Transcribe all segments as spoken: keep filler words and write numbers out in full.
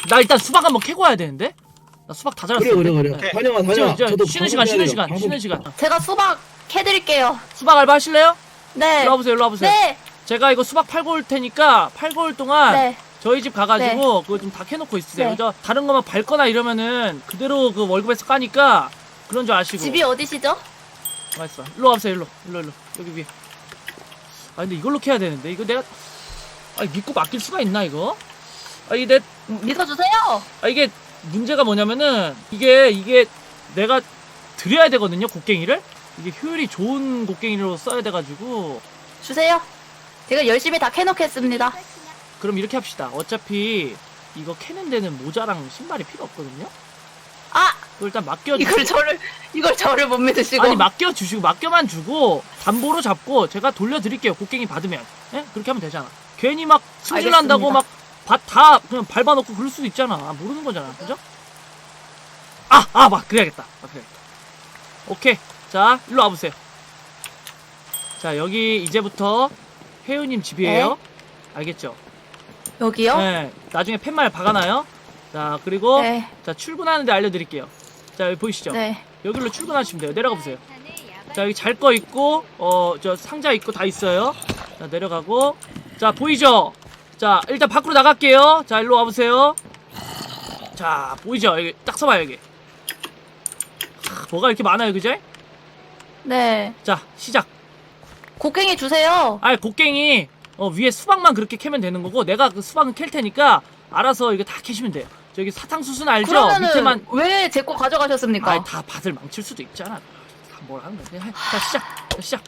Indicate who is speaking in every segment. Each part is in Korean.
Speaker 1: 나 일단 수박 한번 캐고 와야 되는데? 나 수박 다 잘랐어.
Speaker 2: 그래 그래 그래. 다녀와 다녀와.
Speaker 1: 저, 저,
Speaker 2: 저도
Speaker 1: 쉬는 시간,
Speaker 2: 방송
Speaker 1: 쉬는
Speaker 2: 해야
Speaker 1: 시간,
Speaker 2: 돼요.
Speaker 1: 쉬는 시간.
Speaker 3: 제가 수박 캐드릴게요.
Speaker 1: 수박 알바 하실래요?
Speaker 3: 네.
Speaker 1: 일로 와보세요, 일로 와보세요.
Speaker 3: 네.
Speaker 1: 제가 이거 수박 팔고 올 테니까 팔고 올 동안
Speaker 3: 네.
Speaker 1: 저희 집 가가지고 그거 좀 다 캐놓고 있으세요.
Speaker 3: 네.
Speaker 1: 그죠? 다른 거만 밟거나 이러면은 그대로 그 월급에서 까니까 그런 줄 아시고.
Speaker 3: 집이 어디시죠?
Speaker 1: 맛있어. 일로 와보세요, 일로. 일로, 일로. 여기 위에. 아, 근데 이걸로 캐야 되는데. 이거 내가. 아, 믿고 맡길 수가 있나, 이거? 아, 이게 내.
Speaker 3: 믿어주세요.
Speaker 1: 아, 이게 문제가 뭐냐면은 이게, 이게 내가 드려야 되거든요, 곡괭이를? 이게 효율이 좋은 곡괭이로 써야 돼가지고.
Speaker 3: 주세요. 제가 열심히 다 캐놓겠습니다.
Speaker 1: 그럼 이렇게 합시다. 어차피 이거 캐는 데는 모자랑 신발이 필요 없거든요?
Speaker 3: 아!
Speaker 1: 그걸 일단 맡겨주고.
Speaker 3: 이걸 저를, 이걸 저를 못 믿으시고.
Speaker 1: 아니, 맡겨주시고, 맡겨만 주고, 담보로 잡고, 제가 돌려드릴게요. 곡괭이 받으면. 예? 그렇게 하면 되잖아. 괜히 막 승질난다고 막, 밭 다 그냥 밟아놓고 그럴 수도 있잖아. 아, 모르는 거잖아. 그죠? 아! 아! 막, 그래야겠다. 막, 그래야겠다. 오케이. 자, 일로 와보세요. 자, 여기 이제부터 혜우님 집이에요.
Speaker 3: 네.
Speaker 1: 알겠죠?
Speaker 3: 여기요?
Speaker 1: 네. 나중에 팻말 박아놔요. 자, 그리고,
Speaker 3: 네.
Speaker 1: 자, 출근하는데 알려드릴게요. 자, 여기 보이시죠?
Speaker 3: 네.
Speaker 1: 여기로 출근하시면 돼요. 내려가 보세요. 자, 여기 잘 거 있고, 어, 저 상자 있고 다 있어요. 자, 내려가고. 자, 보이죠? 자, 일단 밖으로 나갈게요. 자, 일로 와보세요. 자, 보이죠? 여기 딱 서봐요, 여기. 하, 뭐가 이렇게 많아요, 그죠?
Speaker 3: 네.
Speaker 1: 자, 시작.
Speaker 3: 곡괭이 주세요.
Speaker 1: 아, 곡괭이, 어, 위에 수박만 그렇게 캐면 되는 거고, 내가 그 수박은 캘 테니까, 알아서 이거 다 캐시면 돼요. 저기 사탕수수는 알죠?
Speaker 3: 그러면은
Speaker 1: 밑에만.
Speaker 3: 왜 제 거 가져가셨습니까?
Speaker 1: 아이, 다 밭을 망칠 수도 있잖아. 다 뭘 하는 거야. 자, 시작. 자, 시작.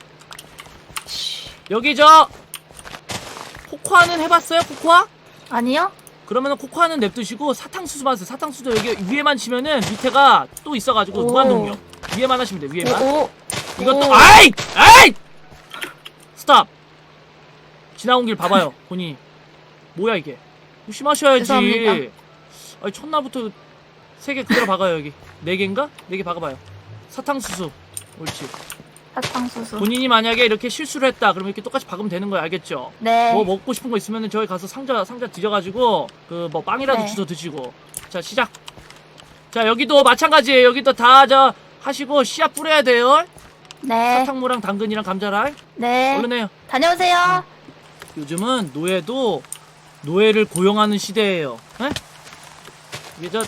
Speaker 1: 여기 저 코코아는 해봤어요? 코코아?
Speaker 3: 아니요?
Speaker 1: 그러면은 코코아는 냅두시고 사탕수수만 하세요. 사탕수수 여기 위에만 치면은 밑에가 또 있어가지고
Speaker 3: 오.
Speaker 1: 무한동력. 위에만 하시면 돼요. 위에만.
Speaker 3: 오, 오.
Speaker 1: 이것도
Speaker 3: 오.
Speaker 1: 아이! 아이! 스탑. 지나온 길 봐봐요. 본인이. 뭐야 이게. 조심하셔야지.
Speaker 3: 죄송합니다.
Speaker 1: 아니 첫날부터 세 개 그대로 박아요 여기. 네 개인가? 네 개 박아봐요. 사탕수수. 옳지.
Speaker 3: 사탕수수.
Speaker 1: 본인이 만약에 이렇게 실수를 했다 그러면 이렇게 똑같이 박으면 되는 거예요. 알겠죠?
Speaker 3: 네.
Speaker 1: 뭐 먹고 싶은 거 있으면은 저기 가서 상자 상자 뒤져가지고 그 뭐 빵이라도
Speaker 3: 네.
Speaker 1: 주워 드시고. 자 시작. 자 여기도 마찬가지예요. 여기도 다 저 하시고 씨앗 뿌려야 돼요.
Speaker 3: 네.
Speaker 1: 사탕무랑 당근이랑 감자랑.
Speaker 3: 네.
Speaker 1: 얼른 해요.
Speaker 3: 다녀오세요.
Speaker 1: 요즘은 노예도 노예를 고용하는 시대예요. 에? 이게 저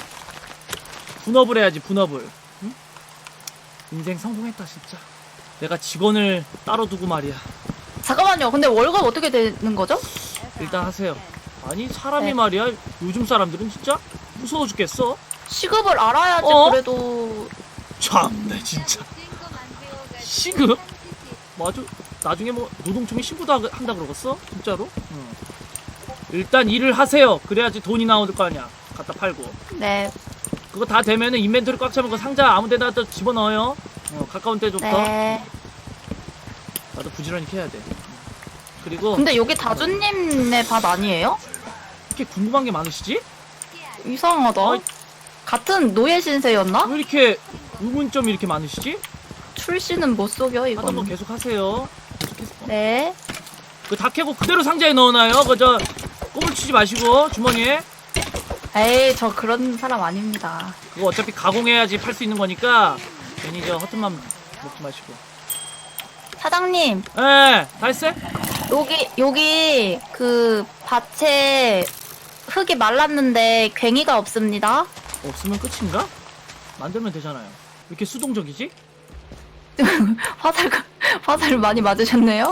Speaker 1: 분업을 해야지 분업을. 응? 인생 성공했다 진짜. 내가 직원을 따로 두고 말이야.
Speaker 3: 잠깐만요. 근데 월급 어떻게 되는 거죠?
Speaker 1: 일단 하세요. 아니 사람이
Speaker 3: 네.
Speaker 1: 말이야 요즘 사람들은 진짜 무서워 죽겠어.
Speaker 3: 시급을 알아야지
Speaker 1: 어?
Speaker 3: 그래도.
Speaker 1: 참네 진짜. 시급? 맞아. 나중에 뭐 노동청에 신고도 하- 한다 그러겠어? 진짜로? 응. 일단 일을 하세요. 그래야지 돈이 나올 거 아니야. 갖다 팔고.
Speaker 3: 네.
Speaker 1: 그거 다 되면은 인벤토리 꽉 차면 그 상자 아무 데나 또 집어넣어요. 어, 가까운 데부터.
Speaker 3: 네.
Speaker 1: 나도 부지런히 캐야 돼. 그리고
Speaker 3: 근데 여기 다주님네 밭 아니에요?
Speaker 1: 이렇게 궁금한 게 많으시지?
Speaker 3: 이상하다.
Speaker 1: 어이.
Speaker 3: 같은 노예 신세였나?
Speaker 1: 왜 이렇게 의문점이 이렇게 많으시지?
Speaker 3: 출시는 못 속여
Speaker 1: 하던 거
Speaker 3: 이건.
Speaker 1: 계속 하세요. 계속해서.
Speaker 3: 네.
Speaker 1: 그 다 캐고 그대로 상자에 넣어놔요. 그저 꼼을 치지 마시고 주머니에.
Speaker 3: 에이 저 그런 사람 아닙니다.
Speaker 1: 그거 어차피 가공해야지 팔 수 있는 거니까 괜히 저 허튼 맘 먹지 마시고.
Speaker 3: 사장님
Speaker 1: 예, 다 했어요?
Speaker 3: 여기 여기 그 밭에 흙이 말랐는데 괭이가 없습니다.
Speaker 1: 없으면 끝인가? 만들면 되잖아요. 왜 이렇게 수동적이지?
Speaker 3: 화살 화살을 많이 맞으셨네요.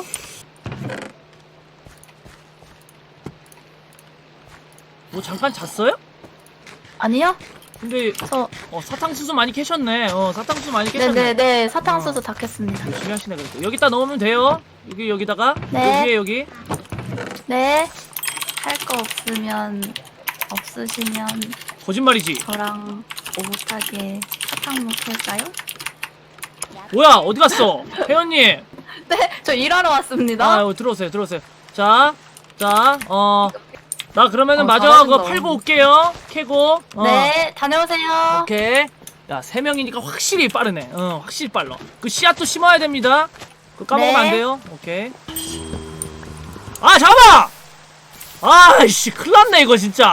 Speaker 1: 뭐 잠깐 잤어요?
Speaker 3: 아니요?
Speaker 1: 근데
Speaker 3: 저
Speaker 1: 어, 사탕수수 많이 캐셨네. 어, 사탕수수 많이 캐셨네.
Speaker 3: 네네네 사탕수수 다 캤습니다.
Speaker 1: 열심히 하시네 그래도. 여기다 넣으면 돼요. 여기 여기다가
Speaker 3: 네.
Speaker 1: 여기에 여기.
Speaker 3: 네. 할 거 없으면 없으시면
Speaker 1: 거짓말이지.
Speaker 3: 저랑 오붓하게 사탕 먹을까요?
Speaker 1: 뭐야 어디 갔어? 혜연님.
Speaker 3: 네, 저 일하러 왔습니다.
Speaker 1: 아, 여기 들어오세요, 들어오세요. 자, 자, 어, 나 그러면은
Speaker 3: 어,
Speaker 1: 마저
Speaker 3: 잘하신다.
Speaker 1: 그거 팔고 올게요. 캐고. 어.
Speaker 3: 네, 다녀오세요.
Speaker 1: 오케이. 야, 세 명이니까 확실히 빠르네. 어, 확실히 빨라. 그 씨앗도 심어야 됩니다. 그거 까먹으면
Speaker 3: 네.
Speaker 1: 안 돼요. 오케이. 아, 잠깐만! 아이씨, 큰일 났네, 이거 진짜.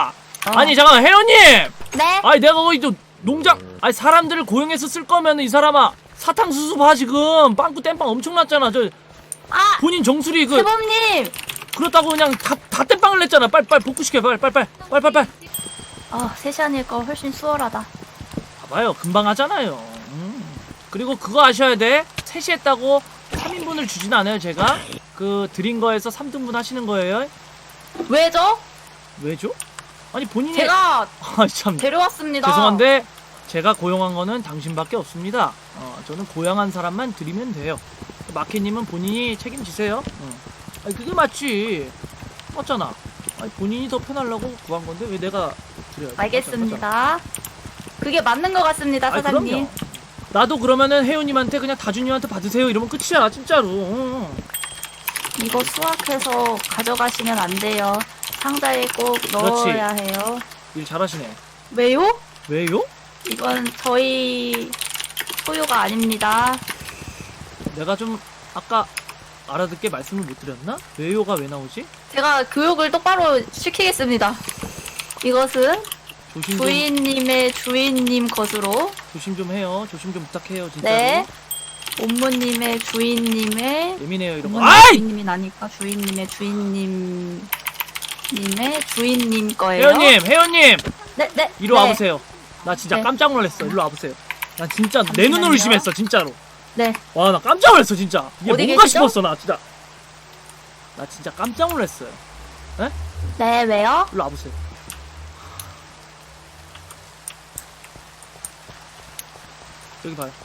Speaker 1: 아니 잠깐만 혜연님.
Speaker 3: 네?
Speaker 1: 아니 내가 거기 또 농장 아니 사람들을 고용해서 쓸 거면 이 사람아 사탕수수 봐 지금 빵꾸 땜빵 엄청 났잖아. 저
Speaker 3: 아!
Speaker 1: 본인 정수리 그
Speaker 3: 세범님!
Speaker 1: 그렇다고 그냥 다, 다 땜빵을 냈잖아. 빨리 빨리 복구시켜 빨리 빨리 빨리 빨리 빨리 빨리.
Speaker 3: 아, 세 시 하니까 훨씬 수월하다.
Speaker 1: 봐봐요 금방 하잖아요. 음. 그리고 그거 아셔야 돼. 셋이 했다고 삼 인분을 주진 않아요 제가. 그 드린 거에서 삼 등분 하시는 거예요.
Speaker 3: 왜죠?
Speaker 1: 왜죠? 아니 본인이
Speaker 3: 제가
Speaker 1: 아참
Speaker 3: 데려왔습니다.
Speaker 1: 죄송한데 제가 고용한 거는 당신밖에 없습니다. 어, 저는 고용한 사람만 드리면 돼요. 마켓님은 본인이 책임지세요. 어. 아니 그게 맞지. 맞잖아. 아니 본인이 더 편하려고 구한 건데 왜 내가 드려야 돼?
Speaker 3: 알겠습니다. 그게 맞는 것 같습니다,
Speaker 1: 아니,
Speaker 3: 사장님.
Speaker 1: 그럼요. 나도 그러면은 혜연님한테 그냥 다준님한테 받으세요 이러면 끝이야 진짜로. 어.
Speaker 3: 이거 수확해서 가져가시면 안 돼요. 상자에 꼭 넣어야 해요.
Speaker 1: 일 잘하시네.
Speaker 3: 왜요?
Speaker 1: 왜요?
Speaker 3: 이건 저희 소유가 아닙니다.
Speaker 1: 내가 좀 아까 알아듣게 말씀을 못 드렸나? 왜요가 왜 나오지?
Speaker 3: 제가 교육을 똑바로 시키겠습니다. 이것은
Speaker 1: 조심 좀
Speaker 3: 부인님의 주인님 것으로,
Speaker 1: 조심 좀 해요. 조심 좀 부탁해요 진짜로.
Speaker 3: 네, 옴무님의 주인님의,
Speaker 1: 예민해요 이런 거.
Speaker 3: 옴무님
Speaker 1: 아이!
Speaker 3: 주인님이 나니까 주인님의 주인님 님의 주인님 거예요.
Speaker 1: 혜연님, 혜연님,
Speaker 3: 네, 네.
Speaker 1: 이리
Speaker 3: 네.
Speaker 1: 와보세요. 나 진짜
Speaker 3: 네.
Speaker 1: 깜짝 놀랐어. 이리 와보세요. 나 진짜 내
Speaker 3: 잠시만요.
Speaker 1: 눈으로 의심했어 진짜로.
Speaker 3: 네.
Speaker 1: 와 나 깜짝 놀랐어 진짜. 이게
Speaker 3: 어디
Speaker 1: 뭔가
Speaker 3: 계시죠?
Speaker 1: 싶었어 나 진짜. 나 진짜 깜짝 놀랐어요.
Speaker 3: 네, 왜요?
Speaker 1: 이리 와보세요. 여기 봐요.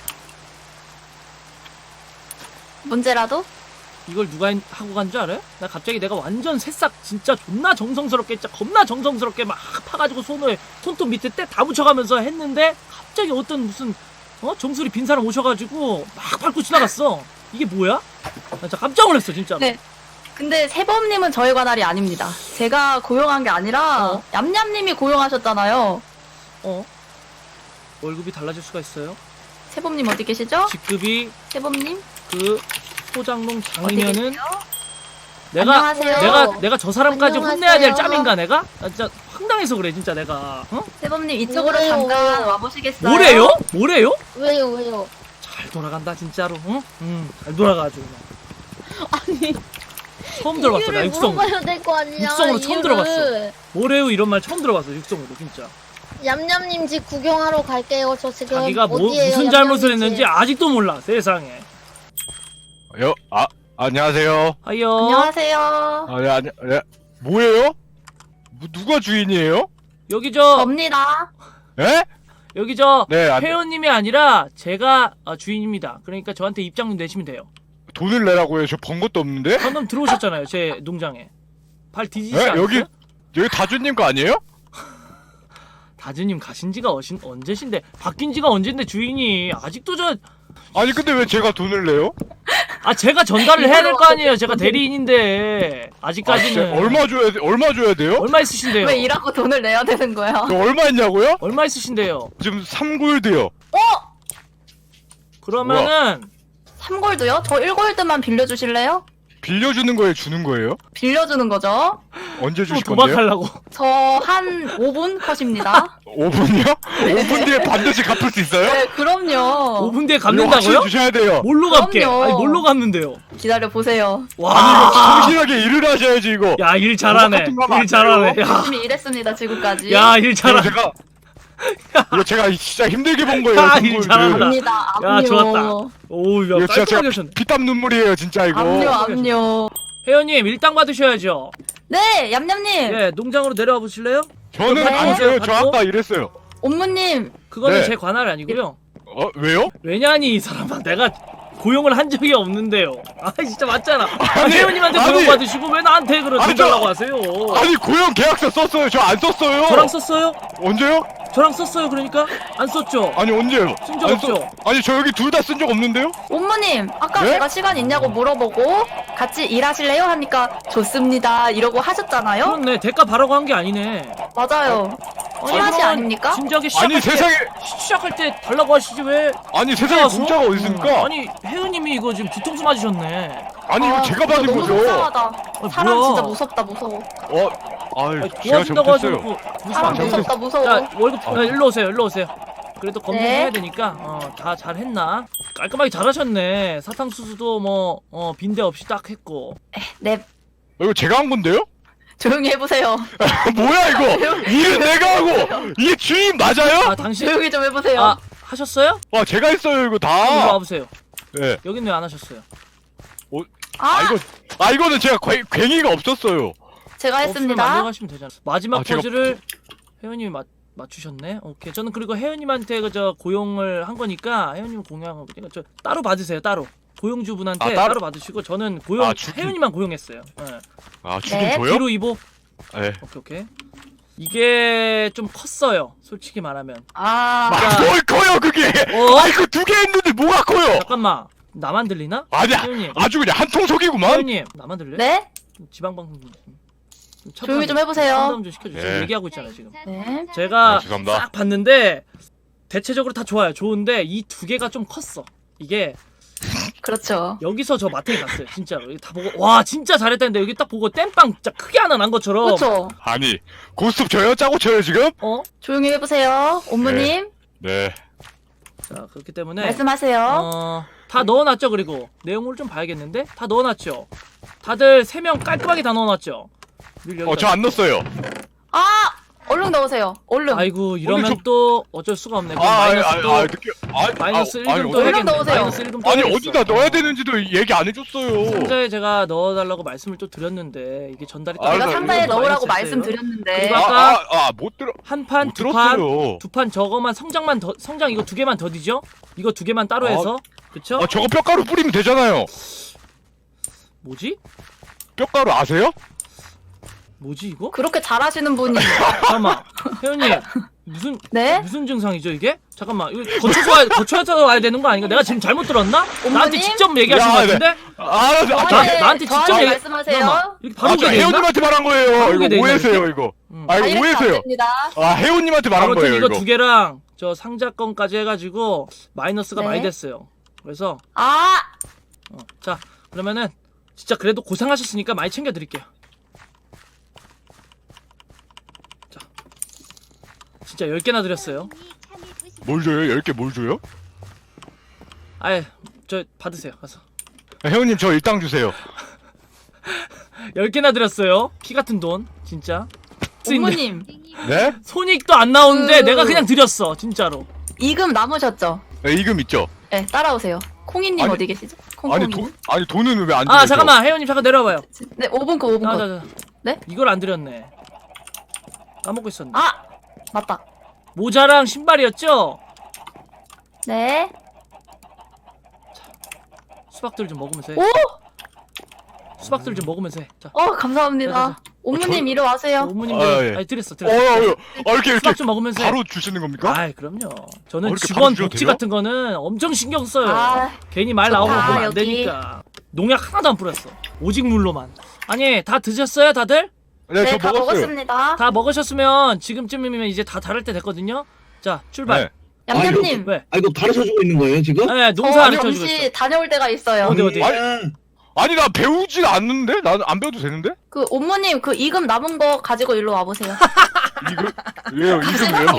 Speaker 3: 문제라도?
Speaker 1: 이걸 누가 했- 하고 간 줄 알아요? 나 갑자기 내가 완전 새싹 진짜 존나 정성스럽게 진짜 겁나 정성스럽게 막 파가지고 손을 손톱 밑에 때 다 묻혀가면서 했는데 갑자기 어떤 무슨 어 정수리 빈 사람 오셔가지고 막 밟고 지나갔어. 이게 뭐야? 나 진짜 깜짝 놀랐어 진짜로.
Speaker 3: 네. 근데 세범님은 저희 관할이 아닙니다. 제가 고용한 게 아니라
Speaker 1: 어?
Speaker 3: 얌얌님이 고용하셨잖아요.
Speaker 1: 어? 월급이 달라질 수가 있어요.
Speaker 3: 세범님 어디 계시죠?
Speaker 1: 직급이
Speaker 3: 세범님
Speaker 1: 그 소장농
Speaker 3: 어디
Speaker 1: 장이면은
Speaker 3: 계세요?
Speaker 1: 내가
Speaker 3: 안녕하세요.
Speaker 1: 내가 내가 저 사람까지
Speaker 2: 안녕하세요.
Speaker 1: 혼내야 될 짬인가 내가? 나 진짜 황당해서 그래 진짜 내가. 어?
Speaker 3: 세범님 이쪽으로
Speaker 2: 뭐래요?
Speaker 3: 잠깐 와보시겠어요?
Speaker 1: 뭐래요? 뭐래요?
Speaker 2: 왜요, 왜요?
Speaker 1: 잘 돌아간다 진짜로. 응? 응. 잘 돌아가죠.
Speaker 2: 아니,
Speaker 1: 처음 들어봤어 나
Speaker 2: 이유를
Speaker 1: 육성.
Speaker 2: 물어봐야 될 거 아니야.
Speaker 1: 육성으로 처음
Speaker 2: 이유를.
Speaker 1: 들어봤어. 뭐래요 이런 말 처음 들어봤어 육성으로 진짜.
Speaker 2: 얌얌님 집 구경하러 갈게요. 저 지금
Speaker 1: 자기가 뭐
Speaker 2: 어디예요,
Speaker 1: 무슨 잘못을
Speaker 2: 얌얌님
Speaker 1: 했는지
Speaker 2: 집?
Speaker 1: 아직도 몰라 세상에.
Speaker 4: 여, 아, 안녕하세요.
Speaker 1: 하여.
Speaker 3: 안녕하세요.
Speaker 4: 아, 네, 아니, 네. 뭐예요? 뭐, 누가 주인이에요?
Speaker 1: 여기 저
Speaker 3: 접니다.
Speaker 4: 예?
Speaker 1: 여기 저
Speaker 4: 네, 안,
Speaker 1: 회원님이 아니라 제가 어, 주인입니다. 그러니까 저한테 입장료 내시면 돼요.
Speaker 4: 돈을 내라고요? 저 번 것도 없는데?
Speaker 1: 방금 들어오셨잖아요 제 농장에. 발 뒤지지
Speaker 4: 예?
Speaker 1: 않았어요?
Speaker 4: 여기, 여기 다주님 거 아니에요?
Speaker 1: 다즈님 가신 지가 어신, 언제신데 바뀐 지가 언젠데 주인이 아직도 저
Speaker 4: 아니, 근데 왜 제가 돈을 내요?
Speaker 1: 아 제가 전달을 해야 될 거 아니에요. 제가 대리인인데
Speaker 4: 아,
Speaker 1: 아직까지는
Speaker 4: 진짜 얼마 줘야 돼? 얼마 줘야 돼요?
Speaker 1: 얼마 있으신데요?
Speaker 3: 왜 일하고 돈을 내야 되는 거야?
Speaker 4: 저 얼마 있냐고요?
Speaker 1: 얼마 있으신데요?
Speaker 4: 지금 삼 골드요.
Speaker 1: 그러면은
Speaker 3: 삼 골드요? 저 일 골드만 빌려주실래요?
Speaker 4: 빌려주는 거에 주는 거예요?
Speaker 3: 빌려주는 거죠?
Speaker 4: 언제
Speaker 1: 또
Speaker 4: 주실 건데요?
Speaker 1: 도박하려고.
Speaker 3: 저 한 오 분 컷입니다.
Speaker 4: 오 분이요? 오 분 뒤에 반드시 갚을 수 있어요?
Speaker 3: 네, 그럼요.
Speaker 1: 오 분 뒤에
Speaker 4: 이거
Speaker 1: 갚는다고요?
Speaker 4: 확실히 주셔야 돼요.
Speaker 1: 뭘로 갚게?
Speaker 3: 그럼요.
Speaker 1: 아니 뭘로 갚는데요?
Speaker 3: 기다려 보세요.
Speaker 1: 와.
Speaker 4: 성실하게 일을 하셔야지, 이거.
Speaker 1: 야 일 잘하네.
Speaker 4: 같은 거 하면
Speaker 1: 일
Speaker 4: 안
Speaker 1: 잘하네.
Speaker 4: 돼요.
Speaker 1: 야,
Speaker 3: 열심히 일했습니다 지금까지.
Speaker 1: 야 일
Speaker 4: 이거
Speaker 1: 잘하네.
Speaker 4: 제가, 이거 제가 진짜 힘들게 번 거예요.
Speaker 1: 야,
Speaker 4: 삼
Speaker 1: 일
Speaker 4: 골드.
Speaker 1: 잘한다.
Speaker 3: 압니다.
Speaker 1: 야,
Speaker 3: 압류.
Speaker 1: 좋았다. 오우 야
Speaker 4: 이거 진짜 제가
Speaker 1: 깔끔하게 하셨네.
Speaker 4: 피땀 눈물이에요, 진짜 이거.
Speaker 3: 압류 압류.
Speaker 1: 혜연님 일당 받으셔야죠.
Speaker 3: 네, 얌얌님.
Speaker 1: 예 농장으로 내려와 보실래요?
Speaker 4: 저는
Speaker 3: 네.
Speaker 4: 안 돼요. 저
Speaker 1: 받고?
Speaker 4: 아까 이랬어요.
Speaker 3: 옴무님.
Speaker 1: 그거는
Speaker 4: 네.
Speaker 1: 제 관할 아니고요.
Speaker 4: 어, 왜요?
Speaker 1: 왜냐니 이 사람아 내가 고용을 한 적이 없는데요. 아 진짜 맞잖아. 아,
Speaker 4: 아니,
Speaker 1: 혜연님한테
Speaker 4: 아니.
Speaker 1: 고용 받으시고 왜 나한테 그런
Speaker 4: 아니,
Speaker 1: 돈
Speaker 4: 저-
Speaker 1: 달라고 하세요?
Speaker 4: 아니, 고용 계약서 썼어요. 저 안 썼어요.
Speaker 1: 저랑 썼어요?
Speaker 4: 언제요?
Speaker 1: 저랑 썼어요 그러니까? 안 썼죠?
Speaker 4: 아니, 언제요?
Speaker 1: 쓴적
Speaker 4: 안
Speaker 1: 없죠?
Speaker 4: 썼- 아니, 저 여기 둘 다 쓴 적 없는데요?
Speaker 3: 옴무님, 아까
Speaker 4: 네?
Speaker 3: 제가 시간 있냐고 물어보고 같이 일하실래요? 하니까 좋습니다. 이러고 하셨잖아요?
Speaker 1: 그렇네 대가 바라고 한 게 아니네.
Speaker 3: 맞아요. 씨앗이
Speaker 1: 그러면
Speaker 3: 아닙니까?
Speaker 1: 진작에 시작할
Speaker 4: 아니
Speaker 1: 때
Speaker 4: 세상에
Speaker 1: 시작할 때 달라고 하시지 왜?
Speaker 4: 아니 세상에
Speaker 1: 와서?
Speaker 4: 공짜가 어디 있습니까?
Speaker 1: 아니 혜은님이 이거 지금 뒤통수 맞으셨네.
Speaker 4: 아니 이거
Speaker 3: 아,
Speaker 4: 제가
Speaker 3: 진짜
Speaker 4: 받은
Speaker 3: 너무
Speaker 4: 거죠.
Speaker 3: 속상하다.
Speaker 1: 아,
Speaker 3: 사람
Speaker 1: 뭐야.
Speaker 3: 진짜 무섭다 무서워.
Speaker 4: 어, 아유
Speaker 1: 아니,
Speaker 4: 제가
Speaker 1: 도와준다고 하지
Speaker 4: 잘못했어요.
Speaker 1: 않고
Speaker 3: 사람
Speaker 4: 잘못했어요.
Speaker 3: 무섭다 무서워.
Speaker 1: 자 월급 아, 일로 오세요 일로 오세요. 그래도 검증해야
Speaker 3: 네.
Speaker 1: 되니까 어, 다 잘했나? 깔끔하게 잘하셨네. 사탕수수도 뭐 어, 빈대 없이 딱 했고.
Speaker 3: 네,
Speaker 4: 어, 이거 제가 한 건데요?
Speaker 3: 조용히 해보세요.
Speaker 4: 뭐야 이거? 일은 내가 하고 이게 주인 맞아요?
Speaker 1: 아 당신
Speaker 3: 조용히 좀 해보세요.
Speaker 1: 아 하셨어요?
Speaker 4: 와 제가 했어요 이거
Speaker 1: 이리
Speaker 4: 다.
Speaker 1: 와보세요.
Speaker 4: 네.
Speaker 1: 여긴 왜 안 하셨어요?
Speaker 4: 아
Speaker 3: 아,
Speaker 4: 이거 아 이거는 제가 괭- 괭이가 없었어요.
Speaker 3: 제가
Speaker 1: 없으면
Speaker 3: 했습니다.
Speaker 1: 만들어가시면 되잖아. 마지막
Speaker 4: 아, 제가-
Speaker 1: 퍼즐을 혜연님이 맞 맞추셨네. 오케이. 저는 그리고 혜연님한테 그저 고용을 한 거니까 혜연님 공유한 거니까 저 따로 받으세요. 따로 고용주분한테
Speaker 4: 아,
Speaker 1: 따로?
Speaker 4: 따로?
Speaker 1: 받으시고 저는 고용
Speaker 4: 아, 주긴-
Speaker 1: 혜연님만 고용했어요. 네.
Speaker 4: 아 주긴
Speaker 3: 네,
Speaker 4: 줘요?
Speaker 1: 뒤로 이보.
Speaker 4: 네.
Speaker 1: 오케이 오케이. 이게 좀 컸어요. 솔직히 말하면.
Speaker 3: 아,
Speaker 1: 자.
Speaker 4: 뭘 커요 그게?
Speaker 1: 어?
Speaker 4: 아 이거 두 개 했는데 뭐가 커요?
Speaker 1: 잠깐만. 나만 들리나?
Speaker 4: 아니야
Speaker 1: 혜연님.
Speaker 4: 아주 그냥 한통 속이구만.
Speaker 1: 혜연님 나만 들려?
Speaker 3: 네?
Speaker 1: 지방 방송 좀. 좀
Speaker 3: 조용히 좀 해보세요.
Speaker 1: 상담 좀 시켜주세요.
Speaker 4: 네.
Speaker 1: 얘기하고 있잖아 지금.
Speaker 3: 네.
Speaker 1: 제가
Speaker 4: 아, 죄송합니다.
Speaker 1: 싹 봤는데 대체적으로 다 좋아요. 좋은데 이 두 개가 좀 컸어. 이게
Speaker 3: 그렇죠.
Speaker 1: 여기서 저 마트에 갔어요. 진짜로. 여기 다 보고 와 진짜 잘했다는데 여기 딱 보고 땜빵 진짜 크게 하나 난 것처럼.
Speaker 3: 그렇죠.
Speaker 4: 아니 고스톱 쳐요? 짜고 쳐요 지금?
Speaker 1: 어?
Speaker 3: 조용히 해보세요. 옴무님
Speaker 4: 네.
Speaker 1: 자 그렇기 때문에
Speaker 3: 말씀하세요.
Speaker 1: 어, 다 넣어놨죠. 그리고 내용을 좀 봐야겠는데 다 넣어놨죠. 다들 세 명 깔끔하게 다 넣어놨죠. 늘
Speaker 4: 어 저 안 넣었어요.
Speaker 3: 아, 얼른 넣으세요. 얼른.
Speaker 1: 아이고 이러면
Speaker 4: 오늘 저-
Speaker 1: 또 어쩔 수가 없네. 그럼
Speaker 4: 아, 아니,
Speaker 1: 마이너스
Speaker 4: 아니,
Speaker 1: 또
Speaker 4: 아니, 느껴, 아니,
Speaker 1: 마이너스
Speaker 4: 아,
Speaker 1: 일 금
Speaker 4: 아니,
Speaker 1: 또
Speaker 3: 어디-
Speaker 1: 해야겠네.
Speaker 3: 넣으세요.
Speaker 1: 마이너스 일 금 또
Speaker 4: 아니
Speaker 1: 해야겠어.
Speaker 4: 어디다 넣어야 되는지도 얘기 안 해줬어요.
Speaker 1: 상자에 제가 넣어달라고 말씀을 또 드렸는데 이게 전달이 또
Speaker 4: 아,
Speaker 3: 제가
Speaker 4: 나
Speaker 3: 상자에
Speaker 4: 이거
Speaker 3: 넣으라고
Speaker 1: 마이너스 됐어요.
Speaker 3: 말씀드렸는데.
Speaker 1: 그리고
Speaker 4: 아,
Speaker 1: 아까
Speaker 4: 아, 아, 못 들어,
Speaker 1: 한 판,
Speaker 4: 못
Speaker 1: 두 판,
Speaker 4: 들었어요.
Speaker 1: 두 판 저거만 성장만 더 성장 이거 두 개만 더 뒤죠? 이거 두 개만 따로
Speaker 4: 아.
Speaker 1: 해서 그쵸?
Speaker 4: 아, 저거 뼈가루 뿌리면 되잖아요.
Speaker 1: 뭐지?
Speaker 4: 뼈가루 아세요?
Speaker 1: 뭐지 이거?
Speaker 3: 그렇게 잘하시는 분이.
Speaker 1: 잠깐만 혜연님 무슨
Speaker 3: 네?
Speaker 1: 무슨 증상이죠 이게? 잠깐만 이거 거쳐서 와야, 거쳐서 와야 되는 거 아닌가? 내가 지금 잘못 들었나? 나한테
Speaker 3: 어머님?
Speaker 1: 직접 얘기하신
Speaker 4: 야,
Speaker 1: 것
Speaker 4: 네.
Speaker 1: 같은데?
Speaker 4: 아, 아, 아,
Speaker 1: 나-
Speaker 3: 저한테-
Speaker 1: 나한테 직접
Speaker 3: 저한테
Speaker 1: 얘기-
Speaker 3: 말씀하세요.
Speaker 1: 잠깐만, 이렇게 바로
Speaker 4: 아,
Speaker 1: 오게
Speaker 4: 저
Speaker 1: 돼 있나?
Speaker 4: 혜원님한테 말한 거예요.
Speaker 1: 바로 오게 돼
Speaker 4: 이거
Speaker 1: 있나,
Speaker 4: 오해세요
Speaker 1: 이렇게?
Speaker 4: 이거.
Speaker 1: 응.
Speaker 4: 아, 이거
Speaker 3: 이렇게 안
Speaker 4: 오해세요.
Speaker 3: 됩니다.
Speaker 4: 아, 혜원님한테 말한
Speaker 1: 아무튼
Speaker 4: 거예요
Speaker 1: 이거
Speaker 4: 이거.
Speaker 1: 두 개랑 저 상자 건까지 해가지고 마이너스가
Speaker 3: 네.
Speaker 1: 많이 됐어요. 그래서
Speaker 3: 아,
Speaker 1: 어, 자 그러면은 진짜 그래도 고생하셨으니까 많이 챙겨드릴게요. 자 진짜 열 개나 드렸어요.
Speaker 4: 뭘 줘요? 열 개 뭘 줘요?
Speaker 1: 아예 저 받으세요 가서.
Speaker 4: 아, 혜원님 저 일당 주세요.
Speaker 1: 열 개나 드렸어요. 피 같은 돈 진짜. 쓸수 있는-
Speaker 3: 옴무님
Speaker 4: 네?
Speaker 1: 손익도 안 나오는데
Speaker 3: 그-
Speaker 1: 내가 그냥 드렸어 진짜로.
Speaker 3: 이금 남으셨죠?
Speaker 4: 네, 이금 있죠.
Speaker 3: 네, 따라오세요. 콩이님
Speaker 4: 아니,
Speaker 3: 어디 계시죠? 콩콩이.
Speaker 4: 아니 돈 아니 돈은 왜 안 줘요?
Speaker 1: 아 잠깐만 혜연님 잠깐 내려와봐요.
Speaker 3: 네, 오 분 거, 오 분 거.
Speaker 1: 자자자.
Speaker 3: 네?
Speaker 1: 이걸 안 드렸네. 까먹고 있었네.
Speaker 3: 아, 맞다.
Speaker 1: 모자랑 신발이었죠?
Speaker 3: 네.
Speaker 1: 수박들 좀 먹으면서 해.
Speaker 3: 오,
Speaker 1: 수박들 좀 먹으면서 해. 자,
Speaker 3: 어, 감사합니다.
Speaker 1: 자, 자,
Speaker 3: 옴무님 이리 와세요.
Speaker 1: 어머님들
Speaker 4: 아, 예.
Speaker 1: 아니 드렸어
Speaker 4: 어,
Speaker 1: 드렸어.
Speaker 4: 어, 어, 아, 이렇게 이렇게
Speaker 1: 수박 좀 먹으면서 해.
Speaker 4: 바로 주시는 겁니까?
Speaker 1: 아이 그럼요. 저는
Speaker 4: 어, 이렇게
Speaker 1: 직원
Speaker 4: 바로 주셔도
Speaker 1: 복지
Speaker 4: 돼요?
Speaker 1: 같은 거는 엄청 신경 써요.
Speaker 3: 아,
Speaker 1: 괜히 말
Speaker 3: 좋다,
Speaker 1: 나오면 보면 안
Speaker 3: 여기.
Speaker 1: 되니까. 농약 하나도 안 뿌렸어. 오직 물로만. 아니 다 드셨어요 다들?
Speaker 4: 네,
Speaker 3: 네,
Speaker 4: 저
Speaker 3: 다
Speaker 4: 먹었어요.
Speaker 3: 먹었습니다.
Speaker 1: 다 먹으셨으면 지금쯤이면 이제 다 다를 때 됐거든요. 자 출발.
Speaker 4: 네.
Speaker 3: 얌얌님,
Speaker 1: 왜?
Speaker 5: 아 이거 가르쳐주고 있는 거예요 지금?
Speaker 1: 네
Speaker 3: 저
Speaker 1: 농사 가르쳐 주고
Speaker 3: 잠시
Speaker 1: 있어.
Speaker 3: 다녀올 때가 있어요.
Speaker 1: 어디, 어디?
Speaker 5: 아니,
Speaker 4: 아니 나 배우진 않는데? 난 안 배워도 되는데?
Speaker 3: 그 옴무님 그 이금 남은 거 가지고 일로 와보세요.
Speaker 4: 이거 왜요? 이금 왜요?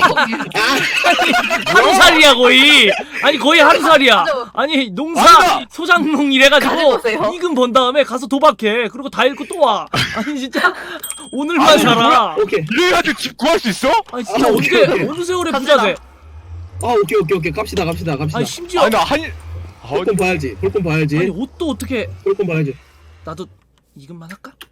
Speaker 1: 하루살이야 거의. 아니 거의 하루살이야.
Speaker 3: 그죠?
Speaker 1: 아니 농사
Speaker 4: 아니다.
Speaker 1: 소장농 이래가지고
Speaker 3: 가져오세요.
Speaker 1: 이금 번 다음에 가서 도박해. 그리고 다 잃고 또 와. 아니 진짜 오늘만
Speaker 4: 아니,
Speaker 1: 살아.
Speaker 5: 오케이.
Speaker 4: 이래가지고 집 구할 수 있어?
Speaker 1: 아니 진짜
Speaker 5: 아,
Speaker 1: 언제
Speaker 5: 오케이, 오케이.
Speaker 1: 어느 세월에
Speaker 3: 갑시다.
Speaker 1: 부자 돼?
Speaker 5: 아 오케이 오케이 오케이 갑시다 갑시다 갑시다.
Speaker 1: 아니 심지어
Speaker 4: 아니 나 한... 아,
Speaker 5: 볼건 봐야지. 볼건
Speaker 1: 아니
Speaker 5: 봐야지.
Speaker 1: 옷도 어떻게
Speaker 5: 볼건 봐야지.
Speaker 1: 나도 이금만 할까?